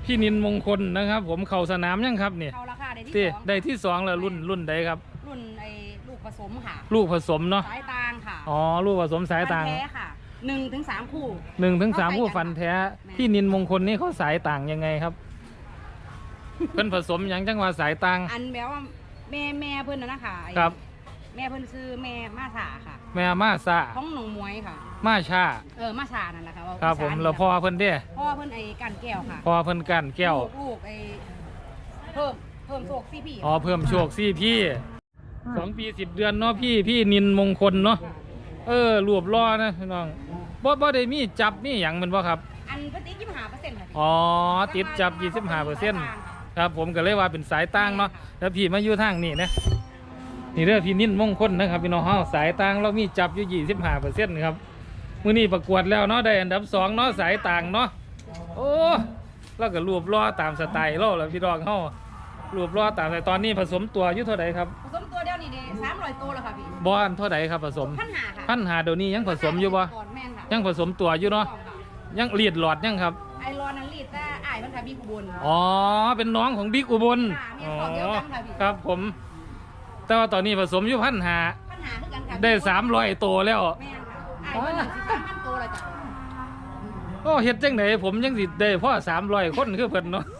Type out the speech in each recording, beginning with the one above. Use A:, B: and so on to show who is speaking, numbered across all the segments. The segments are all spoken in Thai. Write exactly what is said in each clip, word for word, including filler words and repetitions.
A: พี่นินมงคลนะครับผมเข่าสนามยังครับเนี่ย
B: เขาราคาได้ที่
A: ที่
B: สอง
A: ได้ที่สองแล้วรุ่นรุ่นใดครับ
B: รุ่นไอ้ลูกผสมค่ะ
A: ลูกผสมเนาะ
B: สายตางค่ะ
A: อ๋อลูกผสมสายต่าง
B: ฟันแท้ค่ะหนึ่งถึงสามคู่
A: หนึ่งถึงสาม
B: เข้าไป
A: ผู้
B: กัน
A: ฟันแท้
B: แม่
A: พี่นินมงคลนี่เขาสายต่างยังไงครับ เพิ่นผสมหยังจังว่าสายต่าง
B: อันแบบว่าแม่แม่เพิ่นนะนะคะไอ้
A: ครับ
B: แม่เพิ่นซื้อแม่มาสาค่ะ
A: แม่มาซา
B: ของหนองมวยค่ะ
A: มาชา
B: เออมาสานั่นแหละค่ะว่า
A: ครับผม
B: อีสาน
A: แล้วพ่อเพิ่นเด้
B: พ่อเพิ่นไอ้กันแก้วค่ะ
A: พ่อเพิ่นกันแก้ว
B: ลูลูกไอ้เพิ่มเพิ่มโชคซี่พี่
A: อ๋อเพิ่มโชคซี่พี่สองปีสิบเดือนเนาะพี่พี่นินมงคลเนาะเออรวบล้อนะพี่น้องบ่บ่ได้มีจับมีหยังแมันบ่ครับ
B: อันเพิ่นติดยี่สิบห้าเปอร์เซ็นต์ค่ะ
A: อ๋อติดจับ ยี่สิบห้าเปอร์เซ็นต์ ครับผมก็เลยว่าเป็นสายต่างเนาะแล้วพี่มาอยู่ทางนี่นะนี่เด้อพี่นินมงคลนะครับพี่น้องเฮาสายต่างเรามีจับอยู่ ยี่สิบห้าเปอร์เซ็นต์ ครับมื้อนี้ประกวดแล้วเนาะได้อันดับสองเนาะสายต่างเนาะโอ้แล้วก็รวบล้อตามสไตล์เราแล้วพี่น้องเฮารวบล้อตามแต่ตอนนี้ผสมตัวอยู่เท่าใดครับ
B: ผสมตัวเดียวนี่เด้สามร้อยตัวแล้วค่ะพี่
A: บ่อันเท่าใดครับผสม
B: พันหาค่ะ
A: พันหาเดี๋ยวนี้ยังผสมอยู่บ่
B: ก่อนแม่นค่ะ
A: ยังผสมตัวอยู่เนาะยังเลียดหลอดยังครับ
B: ไอรอนนั้นลีดแต่อ้ายมันค่ะพี่กุบล
A: อ๋อเป็นน้องของบิ๊กอุบล
B: ค่ะมีของเดียวกันค่ะพี่
A: ครับผม แต่ว่าตอนนี้ผสมอยู่พันหา
B: ปัญหาคือกันค่ะ
A: ได้สามร้อยตัวแล้ว
B: แม่นค่ะอ้ายมันหนึ่งสิบสามพันตัวเลยจ้ะ
A: โอ้เฮ็ดจังไหนผมยังสิได้พ่อสามร้อยคนคือเพิ่นเนาะ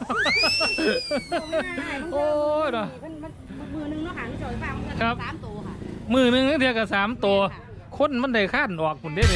A: โอ้ยเนาะ
B: มันมันมือหนึงเนาะค่ะที่จอยฟังมัน
A: ครับ
B: สามตัวค่ะ
A: มือหนึงเทียกับสามตัว คนมันได้ข้านออกคุณได้เลย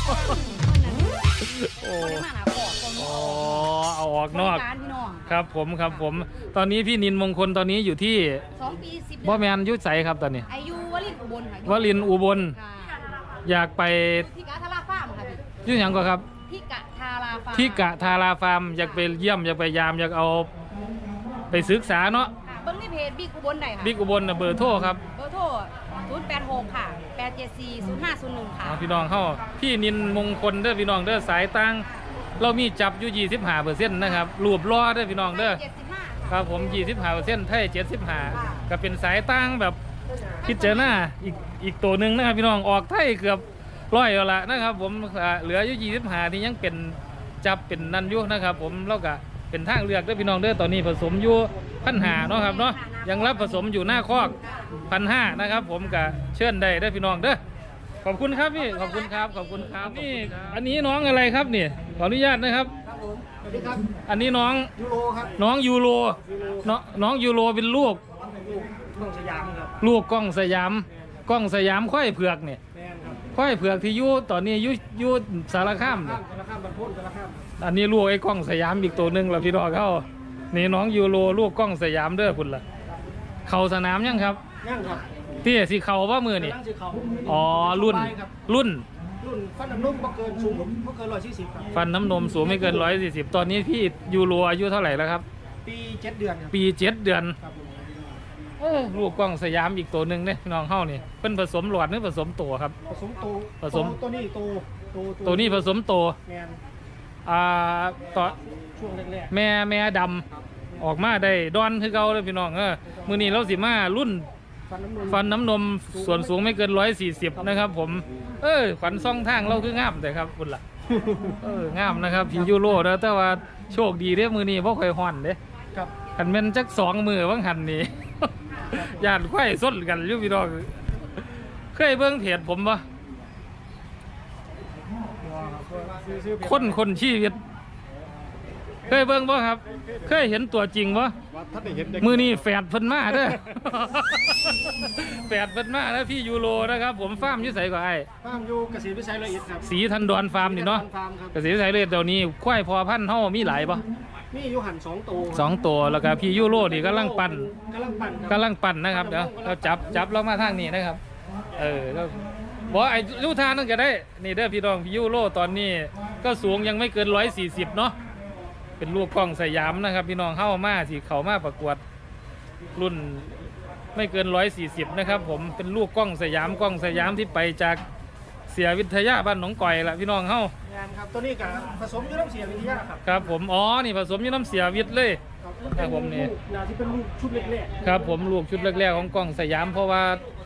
A: โอ้
B: โอ้ได้มาหาขอดคน
A: อ๋อเอาออกนอก
B: การพี่น้อง
A: ครับผมครับผม ตอนนี้พี่นินมงคลตอนนี้อยู่ที่
B: สองปีสิบ
A: บ่แมนอยุทธใสครับตอนนี้
B: อายุวลินอุบลค่ะ
A: วลินอุบล
B: ค่ะ
A: อยากไป
B: ที่กะทาราฟาร์มค่ะพี่
A: อยุ่หยังก็ครับ
B: ที่กะทาราฟาร์ม
A: ที่กะทาราฟาร์มอยากไปเยี่ยมอยากไปยามอยากเอาไปศึกษาเนาะ
B: ค่ะเบิ้งในเพจบิ๊กอุบลได้ค่ะ
A: บิ๊กอุบลน่ะเบอร์โทรครับ
B: เบอร์โทรศูนย์แปดหกค่ะแปดเจ็ดสี่ศูนย์ห้าศูนย์หนึ่งค่ะ
A: เอาพี่น้องเข้าพี่นินมงคลเด้อพี่น้องเด้อสายตังเรามีจับอยู่ ยี่สิบห้าเปอร์เซ็นต์ นะครับรวบล้อเด้อพี่น้องเด้อ
B: เจ็ดสิบห้า
A: ครับผม ยี่สิบห้าเปอร์เซ็นต์ ไทยเจ็ดสิบห้าก็เป็นสายตังแบบพิจารณาอีกอีกตัวหนึ่งนะครับพี่น้องออกไทยเกือบร้อยแล้วละนะครับผมอ่าเหลืออยู่ยี่สิบห้าที่ยังเป็นจับเป็นนันอยุนะครับผมแล้วก็เป็นทางเลือกเด้อพี่น้องเด้อตอนนี้ผสมอยู่พันหาเนาะครับเนาะยังรับผสมอยู่หน้าคอกพันห้านะครับผมก็เชิญได้เด้อพี่น้องเด้อขอบคุณครับพี่ขอบคุณครับขอบคุณครับนี่อันนี้น้องอะไรครับนี่ขออนุญาตนะครับ
C: ครับผมสวัสดีครับ
A: อันนี้น้อง
C: ยูโรครับ
A: น้องยูโรน้องน้องยูโรเป็นลูก
C: ลูกลูกสยามครับ
A: ลูกกล้องสยามกล้องสยามควายเผือกเนี่ย
C: แมนครับ
A: ควายเผือกที่อยู่ตอนนี้อยู่อยู่สารคาม
C: ข้า
A: เนี่
C: ม
A: ย
C: กระข้ามบรรพุนกระข้าม
A: อันนี้ลูกไอ้กล้องสยามอีกตัวหนึ่งแล้วพี่น้องเขานี่น้องยูโรลูกกล้องสยามเด้อคุณล่ะเขาสนามยังครับ
C: ย่างครับ
A: เตี้ยสีเขาว่ามือนี่
C: กำลังสีเขา
A: อ๋อรุ่น
C: ครับ
A: รุ่น
C: รุ่นฟันน้ำนุ่มบ่เกินสูงบ่เกินร้อยสี่สิบครับ
A: ฟันน้ำนมสูงไม่เกินร้อยสี่สิบตอนนี้พี่ยูโรอายุเท่าไหร่แล้วครับ
C: ปีเจ็ดเดือนครับ
A: ปีเจ็ดเดือน
C: ครับผม
A: เออลูกกล้องสยามอีกตัวหนึ่งเนี่ยพี่น้องเข้านี่เป็นผสมหลอดหรือผสมตัวครับ
C: ผสมโต
A: ผสม
C: ตัวนี้โตโต
A: ตัวนี้ผสมตัว
C: แมน
A: อ่าต่อ
C: ช่วงแรก
A: แม่แม่ดำออกมาได้ดอนคือเก่าเลยพี่น้องเออมือนี้เราสิมารุ่น
C: ๆฟันน้ำนุ่ม
A: ฟันน้ำนมส่วนสูงไม่เกินร้อยสี่สิบนะครับผมเออขวัญซ่องทางเราคืองามแต่ครับคุณล่ะเอองามนะครับพี่ยูโรแล้วแต่ว่าโชคดีเด้อมือนี้เพราะค่อยห่อนเด้
C: ครับ
A: หันเป็นจักสองมือว่างหันนี่ ญาติไข่ส้นกันอยู่พี่น้องเคยเบิ่งเพจผมปะคนคนชีวิตเคยเบิ่งปะครับ เคยเห็นตัวจริงปะ
C: ว่าท่านได้เห็นเด็ก
A: มือนี้แฝดเพิ่นมาเด้อ แฝดเพิ่นมาแล้วพี่ยูโรนะครับ ผมฟาร์มอยุ่ใสกว่าไอ้
C: ฟาร์มอยู่เกษตรวิสัยละเอียดครับ
A: สีทันดอนฟาร์มนี่เนาะ
C: ฟาร์มครับ
A: เกษตรไทยเลยเดี๋ยวนี้ควายพอพันธุ์เฮามีหลายปะ
C: มีอยู่หันสองตัว
A: สองตัวแล้วก็พี่ยูโรนี่กำลังปั่น
C: กำลังปั่นครับ
A: กำลังปั่นนะครับเดี๋ยวเราจับจับเรามาทางนี้นะครับ เออแล้วบอกไอ้ลูกทานนั่นก็ได้นี่เด้อพี่น้องพี่ยูโรตอนนี้ก็สูงยังไม่เกินร้อยสี่สิบเนาะเป็นลูกกล้องสยามนะครับ พี่น้องเข้ามาสิเขามาประกวดรุ่นไม่เกินร้อยสี่สิบนะครับ ผมเป็นลูกกล้องสยามกล้องสยามที่ไปจากเสียวิทยาบ้านหนองก่อยละพี่น้องเข้า
C: งานครับตัวนี้กับผสมอยู่น้ำเสียวิทยาครับ
A: ครับผมอ๋อนี่ผสมอยู่น้ำเสียวิทย์เลย ครับผมนี่
C: นาที่เป็นลูกชุดเล็ก
A: ครับผมลูกชุดแรกๆของกล้องสยามเพราะว่า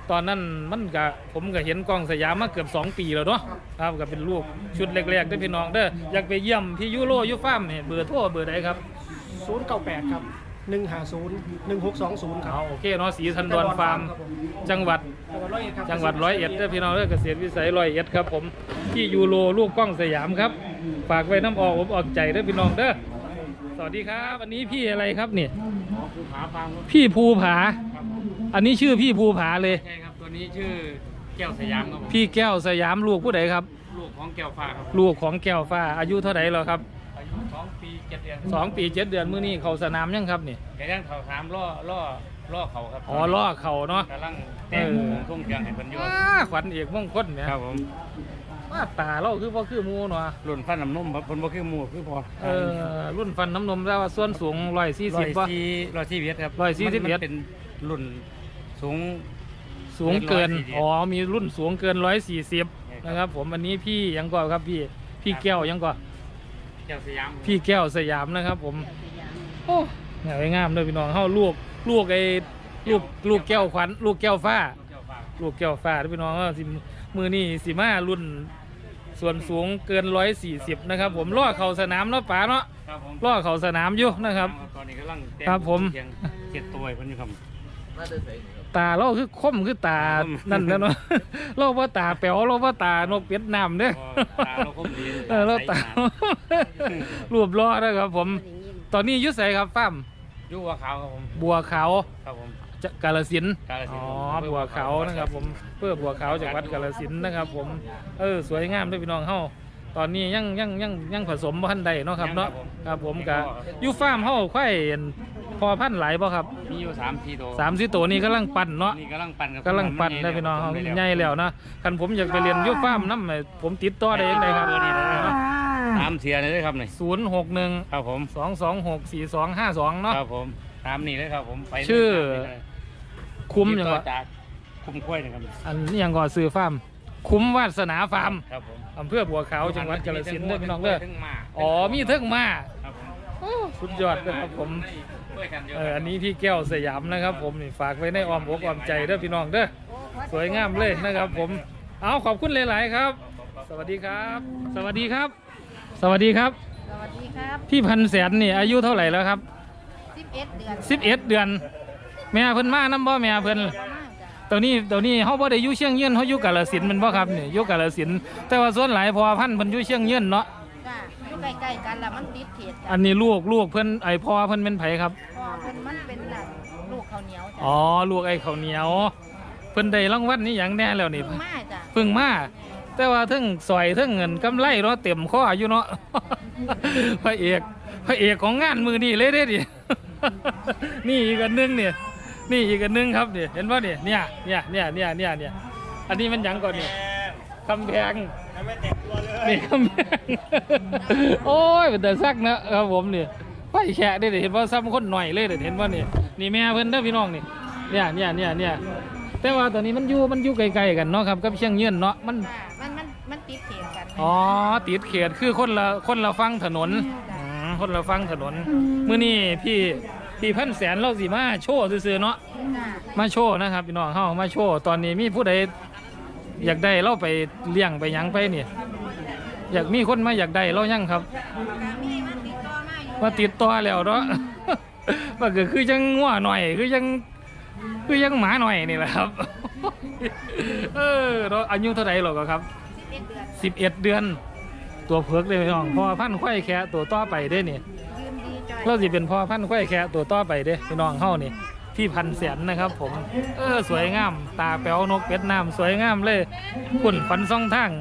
A: ตอนนั้นมันก็ผมก็เห็นกล้องสยามมาเกือบสองปีแล้วเนาะครับก็เป็นลูกชุดแรกๆได้อพี่น้องเด้ออยากไปเยี่ยมพี่ยูโรยูฟาร์มเนี่ยเบอร์โทรเบอร์ใดครับ
C: ศูนย์เก้าแปดครับหนึ่งห้าศูนย์หนึ่งหกสองศูนย์ครั
A: เอา
C: บ
A: โอเคเนาะสีทันดอนฟาร์มจังหวัด
C: จังหวัดร้อยเอ็ดครับ
A: จังหวัดร้อยเอ็ดเด้อพี่น้องเด้อเกษตรวิสัยร้อยเอ็ดครับผมพี่ยูโรลูกกล้องสยามครับฝากไว้น้ำออกผมออกใจเด้อพี่น้องเด้อสวัสดีครับอันนี้พี่อะไรครับเนี่ย
D: ภูผาฟาร์มครับ
A: พี่ภูผา อันนี้ชื่อพี่ภูผาเลย
D: ใช่ครับตัวนี้ชื่อแก้วสยามครับผม
A: พี่แก้วสยามลูกผู้ใดครับ
D: ลูกของแก้วฟ้าครับ
A: ลูกของแก้วฟ้าอายุเท่าไหร่แล้วครับ
D: อายุสองปีเจ็ดเดือน
A: สองปีเจ็ดเดือนมื้อนี้เขาสนามยังครับนี่
D: แกย่างเขาสามล่อล่อล่อเขาครับ
A: อ๋อล่อเขาเนาะ
D: กำลังแต่ง
A: เออ
D: ทุ่งเครื่องให้เพิ่นอยู่
A: ว้าขวัญเอกมงคลเนี่ย
D: ครับผม
A: ว่าตาเราคือพ่อคือหมูเนาะ
D: รุ่นฟันน้ำนมครับเพิ่นบ่คือหมู่คือพอ
A: เออรุ่นฟันน้ำนมแล้วว่าส่วนสูงร้อยสี่
D: ร้
A: สิ
D: อบ ย
A: ป่ะ
D: สี่ร้อยสี่เวียดครับ
A: ร้อยสี่สิบเวียด
D: มันเป็นรุ่นสูง
A: สูงเกิน
D: ร้อยสี่สิบ
A: อ๋อมีรุ่นสูงเกินร้อยสี่สิบ
D: ใช่ครับ
A: นะครับผมอันนี้พี่ยังก่อครับพี่พี่แก้วยังก่อ
D: แก้วสยาม
A: พี่แก้วสยามนะครับผมโอ้เหงางามเลยพี่น้องเฮาลูกลูกไอ้ลูกลูกแก้วขวัญลูกแก้วฟ้า
D: แก้วฟ้า
A: ลูกแก้วฟ้าเด้อพี่น้องเอ้อสิมือนี่สิมารุ่นส่วนสูงเกินร้อยสี่สิบนะครับผมล่อเข่าสนามเนาะป๋าเนาะ
D: ครับผม
A: ล่อเข่าสนามอยู่นะครับ
D: ตอนนี้กำลังแต่ง
A: ครับผม
D: เคียงเจ็ดตัวให้เพิ่นอยู่ครับ
A: ตาเราคือคมคือตา
D: คม
A: นั่นแล้วเนาะ เราว่าตาแป๋วเราว่าตานกเป็ดน้ำเด้อ
D: ตาเราคมดี
A: เออเราตา รวบล้อนะครับผม ตอนนี้อยุใสครับฟ้าร์ม
D: อยู่ว่าขาวครับผม
A: บัวขาว
D: ครับผม
A: จะกาลสินธุ์
D: กาฬสิ
A: อ๋
D: น
A: อ
D: ธุ์
A: บัวขาวนะครับผมเพื่อบัวขาวจากวัดกาลสินธุ์นะครับผมเออสวยงามด้วยพี่น้องเฮาตอนนี้ยังยังยังยังผสมบ่ทันใดเนาะครับเนาะครับผมกะอยู่ฟาร์มเฮาควายพอพันธุ์หลายบ่ครับ
D: มีอยู่สามสี่ตัว
A: สามสิตัวนี้กำลังปั่นเนาะ
D: นี่กำลังปั่นกับ
A: กำลังปั่นได้พี่น้องเฮาใหญ่แล้วนะคันผมอยากไปเรียนอยู่ฟาร์มนำผมติดต่อได้ยังไงครับ
D: ตามเสียเลยครับนี่
A: ศูนย์หกหนึ่ง
D: ครับผม
A: สองสองหกสี่สองห้าสองเนาะ
D: ครับผมตามนี่เลยครับผมไป
A: ชื่อ คุ้ม
D: ติด
A: ยัง
D: ต่อ
A: วะ
D: จากคุ้มกล้วยนะครับ
A: อันนี้ยังก่อซื้อฟาร์มคุ้มวาสนาฟาร์ม
D: ครับผม
A: อำเภอบัวขาวจังหวัดกาฬสินธุ์เด้อพี่น้องเด้อ
D: ถึงมา
A: อ๋อมีเทิงมา
D: ครับผม
A: โอ้สุดยอดเลยครับผม
D: ด้วยกันเยอะ
A: เอออันนี้พี่แก้วสยามนะครับผมนี่ฝากไว้ในอ้อมอกอ้อมใจเด้อพี่น้องเด้อสวยงามเลยนะครับผมเอาขอบคุณหลายๆครับ สวัสดีครับ สวัสดีครับ สวัสดีครับ
B: สวัสดีครับ
A: พี่พันแสนนี่อายุเท่าไหร่แล้วครับ
B: สิบเอ็ดเดือน
A: สิบเอ็ดเดือน แม่เพิ่นมาน้ำบ่แม่เพิ่น
B: ประมาณจ้ะ
A: ตัวนี้ตัวนี้เฮาบ่ได้อยู่เชียงยืนเฮาอยู่กาฬสินธุ์แมันบ่ครับนี่อยู่กาฬสินธุ์แต่ว่าส่วนหลายพอพันธุ์เพิ่นอยู่เชียงยืนเนาะ
B: จ้ะอยู่ใกล้ๆกันแล้วมันติดเขตจ้ะ
A: อันนี้ลูกลูกเพิ่นไอพ่อเพิ่นเป็นไผครับ
B: พอเพิ่นมันเป็นน่ะลูกข้าวเหนียวจ้ะ
A: อ๋อลูกไอ้ข้าวเหนียวเพิ่นได้รางวัลนี่หยังแน่แล้วนี่
B: เพิ่งมาจ้ะ
A: เพิ่งมาแต่ว่าเทั้งสอยเทั้งเงินกำไรเนาะเต็มข้ออยู่เนาะ พระเอกพระเอกของงานมือนี่เลยเด้ดิ นี่อีกอันหนึงเนี่ยนี่อีกอันหนึงครับเนี่ยเห็นป่ะเนี่ยเนี่ยเนี่ยเนี่ยเนี่ยเนี่ยเนี่ยอันนี้มันหยังก่อนเนี่ยคำแพงนี่คำแพง โอ้ยเป็นแต่ซักนะครับผมเนี่ยไฟแฉะได้เห็นว่าซ้ำคนหน่อยเลยเด้เห็นว่านี่นี่แม่เพิ่นเด้อพี่น้องนี่เนี่ยเนี่ยเนี่ยเนี่ยแต่ว่าตอนนี้มันอยู่มันอยู่ไกลๆกันเนาะครับกับเชียงยืนเนาะมัน
B: จ้ะมันมันมันติดเขตกัน
A: อ๋อติดเขตคือคนละคนละฟังถนนอืมคนละฟังถนนมื้อนี้พี่พี่พันแสนเราสิมาโชว์ซื่อๆเนาะ
B: จ้ะ
A: มาโชว์นะครับพี่น้องเฮามาโชว์ตอนนี้มีผู้ใดอยากได้เราไปเลี้ยงไปหยังไปนี่อยากมีคนมาอยากได้เรายังครับ
B: ก็มีมันติดต่อมาอยู่
A: มาติดต่อแล้วเนาะ มันก็คือจังงัวหน่อยคือยังคือยังหมาหน่อยนี่แหละครับ เออเราอายุเท่าไหร่หรอกครับ
B: สิบเอ็ดเดือน
A: สิบเอ็ดเดือน ตัวเผือกเลยพี่น้องพ่อพันธุ์ควายแคะตัวต่อไปได้นี่
B: ยืนดีจอย
A: เราสิเป็นพ่อพันธุ์ควายแคะตัวต่อไปเด้พี่น้องเฮานี่พี่พันแสนนะครับ ผมเออสวยงาม ตาแป๋วนกเป็ดน้ำสวยงามเลยขุ่นฟันซ่องทาง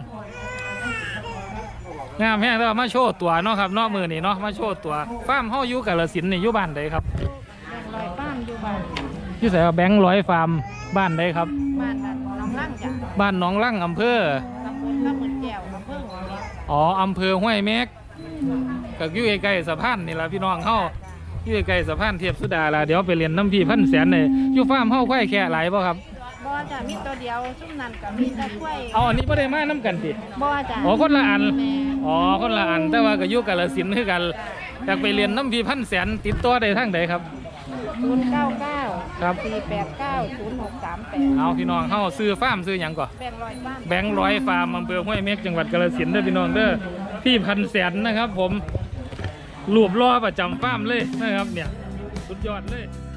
A: งามแห้งแล้วมาโชว์ตัวเนาะครับเนาะมือนี่เนาะมาโชว์ตัวฟาร์มเฮาอยู่กาฬสินธุ์นี่อยู่บ้านใดครับ
B: แบ่งลอยป้ามอยู่บ้าน
A: อยู่ไสว่าแบงค์ร้อยฟาร์มบ้านใดครับ
B: บ้านนั้นน้องร่างจ้ะ
A: บ้านหนองลั่งอำเภอ
B: ตำบลตำบลแก้วอำเภอหัวเม็ด
A: อ๋ออำเภอห้วยเม็กก็อยู่ใกล้ๆสะพานนี่ล่ะพี่น้องเฮาอยู่ใกล้ๆสะพานเทียบสุดาล่ะเดี๋ยวไปเรียนน้ำพี่พันแสนเลยอยู่ฟาร์มเฮาควายแค่หลายบ่ครับ
B: บ่จ้ะมีตัวเดียวซุ่มนั้นกับมีตะกล้วย
A: เอาอันนี้บ่ได้มาน้ำกันสิ
B: บ่จ้ะ
A: อ๋อคนละอัน
B: แม่
A: อ๋อคนละอันแต่ว่าก็อยู่กาฬสินธุ์คือกันอยากไปเรียนน้ำพี่พันแสนติดต่อได้ทางใดครับ
B: ตศูนย์เก้าเก้า
A: ครับ
B: สี่แปดเก้าศูนย์หกสามแปด
A: เอาพี่น้องเฮาซื้อฟาร์มซื้อหยังก่อน
B: แบ่งร้อยบ้าน
A: แบงค์ร้อยฟาร์มอำเภอห้วยเม็กจังหวัดกาฬสินธุ์เด้อพี่น้องเด้อพี่พันแสนนะครับผมรูปล่อประจำฟาร์มเลยนะครับเนี่ยสุดยอดเลย